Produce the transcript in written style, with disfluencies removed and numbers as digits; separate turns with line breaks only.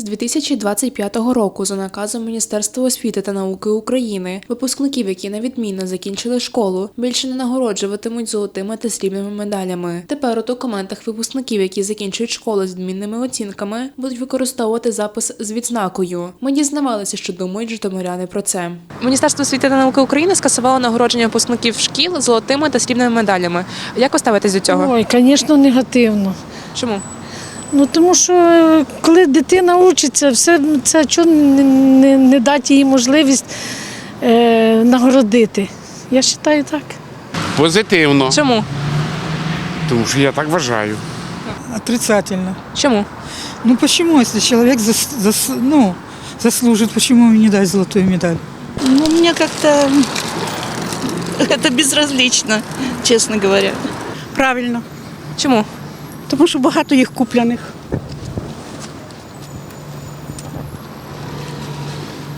З 2025 року за наказом Міністерства освіти та науки України випускників, які на відмінно закінчили школу, більше не нагороджуватимуть золотими та срібними медалями. Тепер у документах випускників, які закінчують школу з відмінними оцінками, будуть використовувати запис з відзнакою. Ми дізнавалися, що думають житомиряни про це. Міністерство освіти та науки України скасувало нагородження випускників шкіл золотими та срібними медалями. Як ви ставитесь до цього?
Ой, звісно, негативно.
Чому?
Тому що коли дитина вчиться, все це чого не дати їй можливість нагородити. Я вважаю так.
Позитивно,
Чому?
тому що я так вважаю.
Отрицательно.
Чому?
Ну почему, если человек заслужит, почему ему не дать золотую медаль?
Ну, мне как-то это безразлично, честно говоря.
Правильно,
Чому?
тому що багато їх купляних.